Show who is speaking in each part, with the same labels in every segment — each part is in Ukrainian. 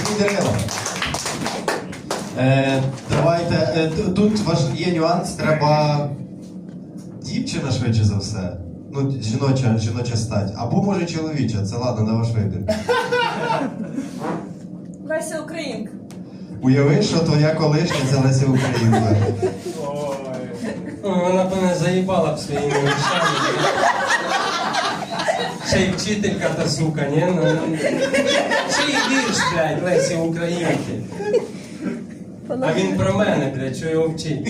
Speaker 1: Дерева. Давайте, тут є нюанс, треба дівчина швидше за все. Ну, жіноча стать. Або може чоловіча, це ладно, на ваш вибір.
Speaker 2: Леся Українка.
Speaker 1: Уяви, що твоя колишня це Леся Українка.
Speaker 3: Вона б мене заїбала б своїми речами. Ще й вчителька та сука, ні? Ще й вірш, блядь, Лесі Українки. А він про мене, блядь, що його вчить.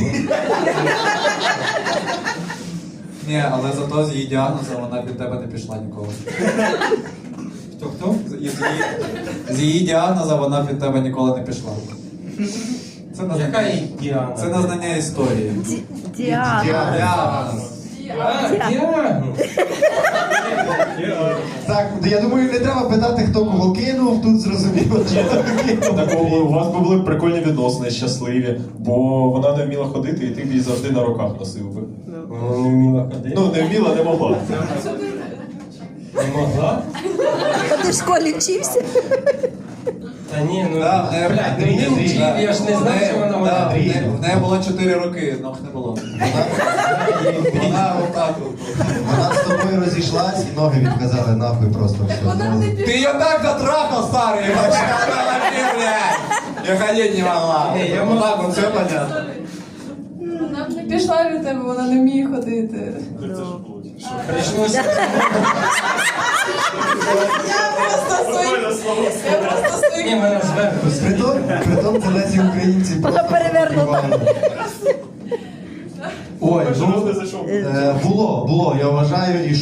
Speaker 4: Ні, але зато з її діагнозом вона від тебе не пішла ніколи.
Speaker 3: Хто-хто?
Speaker 4: З її діагнозом вона від тебе ніколи не пішла.
Speaker 3: Яка її діагноз?
Speaker 4: Це незнання історії. Діагноз.
Speaker 3: Діагноз.
Speaker 1: Так, я думаю, не треба питати, хто кого кинув, тут зрозуміло, чи хто кинув.
Speaker 5: Так, у вас би були прикольні відносини, щасливі, бо вона не вміла ходити, і ти б її завжди на руках носив би.
Speaker 3: Вона не вміла ходити.
Speaker 5: Ну, не вміла, не могла.
Speaker 3: Не могла?
Speaker 6: А ти в школі вчився?
Speaker 3: Та ні, ну,
Speaker 4: Да,
Speaker 3: блядь, ну не вчив, я ж не знав, що вона
Speaker 4: Да,
Speaker 3: вона.
Speaker 4: в неї було 4 роки, ног не було. Вона отак от.
Speaker 1: Вона з тобою розійшлась і ноги відказали нахуй просто все.
Speaker 2: Вона не
Speaker 4: Ты ее так затрахал, старый, вообще, блядь! Я ходить не могла.
Speaker 3: Ні, я
Speaker 4: Вот так вот, все понятно.
Speaker 2: Вона б не пішла від тебе, вона не вміє ходити.
Speaker 3: Прийшлося.
Speaker 2: Я просто
Speaker 3: Ні,
Speaker 2: свої.
Speaker 3: мене зверху.
Speaker 1: Притом це Лесі Українці просто
Speaker 6: перевернута.
Speaker 1: Ой, ну, було, я вважаю, і